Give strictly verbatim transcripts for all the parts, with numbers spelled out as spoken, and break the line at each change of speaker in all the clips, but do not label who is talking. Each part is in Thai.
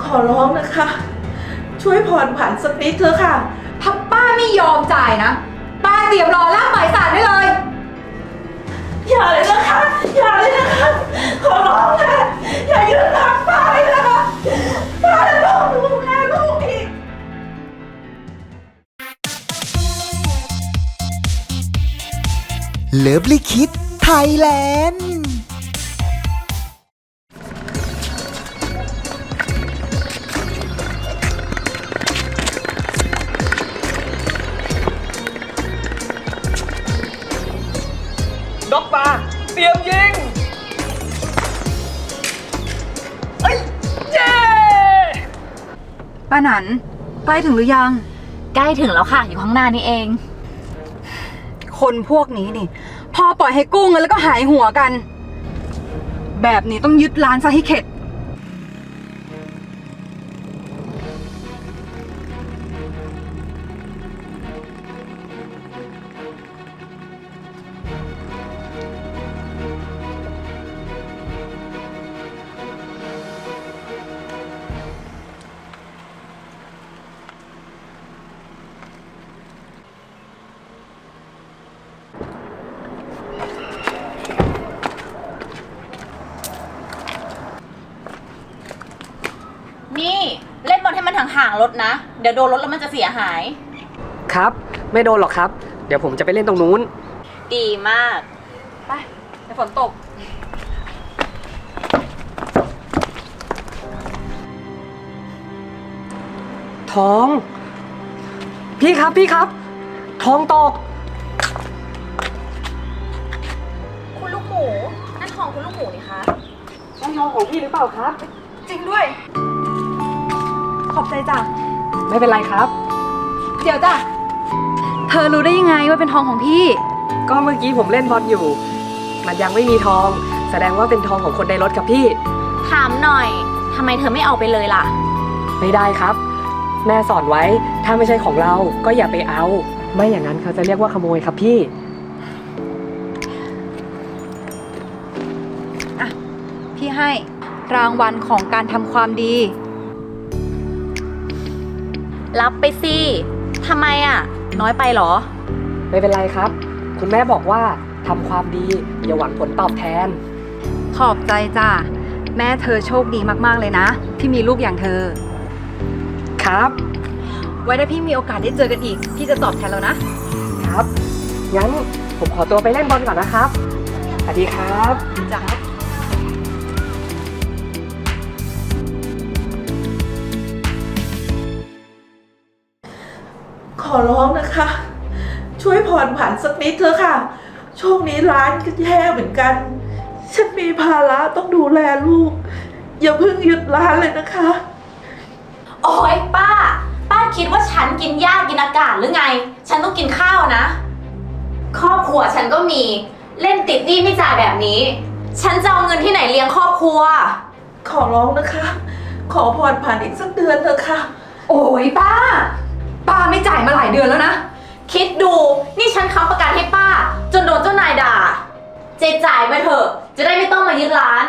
ขอร้องนะคะ ช่วยผ่อนผันสักนิดเถอะค่ะ
ถ้าป้าไม่ยอมจ่ายนะป้าเตรียมรอลากหมายสารได้เลย
อย่าเลยนะคะอย่าเลยนะคะขอร้องนะอย่ายืนหลังป้าเลยนะคะป้าจะต้องดูแลลูกอีก
เลิฟลิคิดไทยแลนด์
ด็อกมาเตรียมยิงเอ้ยเย้
ป้าหนันใกล้ถึงหรือยัง
ใกล้ถึงแล้วค่ะอยู่ข้างหน้านี่เอง
คนพวกนี้นี่พอปล่อยให้กู้เงินแล้วก็หายหัวกันแบบนี้ต้องยึดร้านซะให้เข็ด
นี่เล่นบอลให้มันห่างๆรถนะเดี๋ยวโดนรถแล้วมันจะเสียหาย
ครับไม่โดนหรอกครับเดี๋ยวผมจะไปเล่นตรงนู้น
ดีมาก
ไปเดี๋ยวฝนตก
ทองพี่ครับพี่ครับทองตก
คุณลูกหมูนั่นทองคุณลูกหมูนี่คะ
ใช่ทองของพี่หรือเปล่าครับ
จริงด้วยขอบใจจ้ะ
ไม่เป็นไรครับ
เดี๋ยวจ้ะเธอรู้ได้ยังไงว่าเป็นทองของพี่
ก็เมื่อกี้ผมเล่นบอลอยู่มันยังไม่มีทองแสดงว่าเป็นทองของคนในรถครับพี่
ถามหน่อยทำไมเธอไม่เอาไปเลยล่ะ
ไม่ได้ครับแม่สอนไว้ถ้าไม่ใช่ของเราก็อย่าไปเอาไม่อย่างนั้นเขาจะเรียกว่าขโมยครับพี่
อ่ะพี่ให้รางวัลของการทำความดี
รับไปสิทำไมอ่ะน้อยไปหรอ
ไม่เป็นไรครับคุณแม่บอกว่าทำความดีอย่าหวังผลตอบแทน
ขอบใจจ้ะแม่เธอโชคดีมากๆเลยนะที่มีลูกอย่างเธอ
ครับ
ไว้ถ้าพี่มีโอกาสได้เจอกันอีกพี่จะตอบแทนแล้วนะครับ
งั้นผมขอตัวไปเล่นบอลก่อนนะครับสวัสดีครับ
จ้ะ
ขอร้องนะคะ ช่วยผ่อนผันสักนิดเถอะค่ะช่วงนี้ร้านก็แย่เหมือนกันฉันมีภาระต้องดูแลลูกอย่าเพิ่งหยุดร้านเลยนะคะ
โอ๊ยป้าป้าคิดว่าฉันกินหญ้ากินอากาศหรือไงฉันต้องกินข้าวนะครอบครัวฉันก็มีเล่นติดหนี้ไม่จ่ายแบบนี้ฉันจะเอาเงินที่ไหนเลี้ยงครอบครัว
ขอร้องนะคะขอผ่อนผันอีกสักเดือนเถอะค่ะ
โอ๊ยป้าป้าไม่จ่ายมาหลายเดือนแล้วนะ
คิดดูนี่ฉันค้ำประกันให้ป้าจนโดนเจ้านายด่าเจจ่ายไปเถอะจะได้ไม่ต้องมายึดร้าน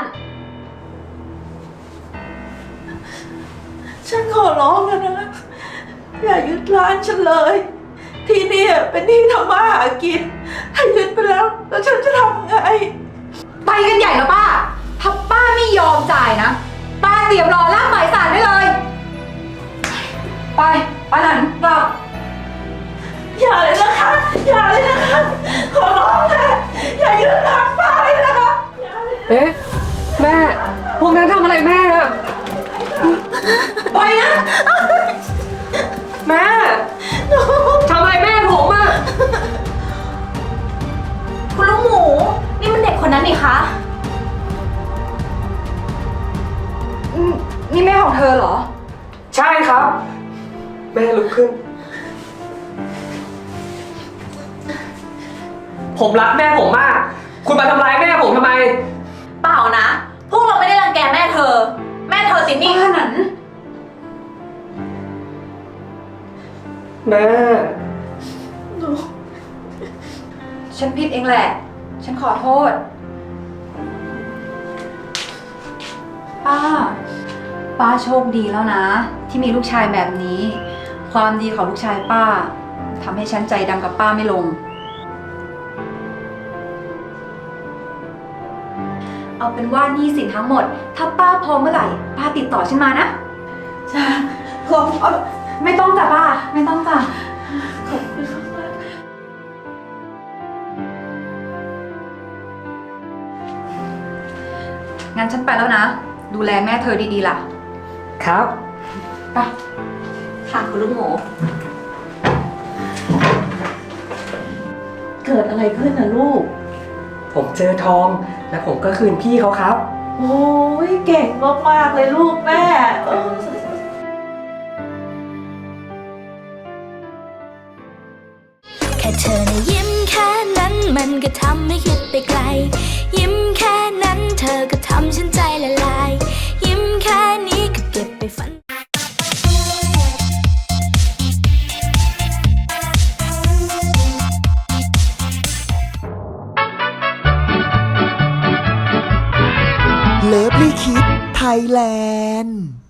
ฉันขอร้องแล้วนะอย่ายึดร้านฉันเลยที่นี่เป็นที่ทำมาหากินถ้ายึดไปแล้วแล้วฉันจะทำไง
ไปกันใหญ่แล้วป้าถ้าป้าไม่ยอมจ่ายนะป้าเตรียมรอลากหมายสารได้เลยไปป้าหนันกลับ
อย่าเลยนะคะอย่าเลยนะคะขอร้องนะอย่ายืนหลังป้าเลยนะคะ
เอ๊ะแม่พวกนั้นทำอะไรแม่อะ
ไปนะ
แม่ทำอะไรแม่ผมอะ
คุณลูกหมูนี่มันเด็กคนนั้นนี่คะ
นี่แม่ของเธอเหรอ
ใช่ครับแม่ลุกขึ้นผมรักแม่ผมมากคุณมาทำร้ายแม่ผมทำไม
เปล่านะพวกเราไม่ได้รังแกแม่เธอแม่เธอติดหนี้
ขนาดนั้น
แม่
หนู
ฉันผิดเองแหละฉันขอโทษป้าป้ป้าโชคดีแล้วนะ ที่มีลูกชายแบบนี้ ความดีของลูกชายป้าทำให้ฉันใจดำกับป้าไม่ลง เอาเป็นว่าหนี้สินทั้งหมด ถ้าป้าพร้อมเมื่อไหร่ ป้าติดต่อฉันมานะ
จ้าขอบคุณ
ไม่ต้องจ้ะป้า ไม่ต้องจ้ะ
ขอบคุณมาก
งั้นฉันไปแล้วนะ ดูแลแม่เธอดีๆล่ะ
ครับ
ไป
ค่ะคุณลูกหมู
เกิดอะไรขึ้นนะลูก
ผมเจอทอง และผมก็คืนพี่เขาครับ
โอ้ยเก่งมากๆเลยลูกแม่เออ
แค่เธอนะยิ้มแค่นั้นมันก็ทำให้คิดไปไกล ยิ้มแค่นั้นเธอก็ทำฉันใจละลาย ยิ้มแค่นี้ก็เก็บไปฝัน
เลิฟลี่คิดไทยแลนด์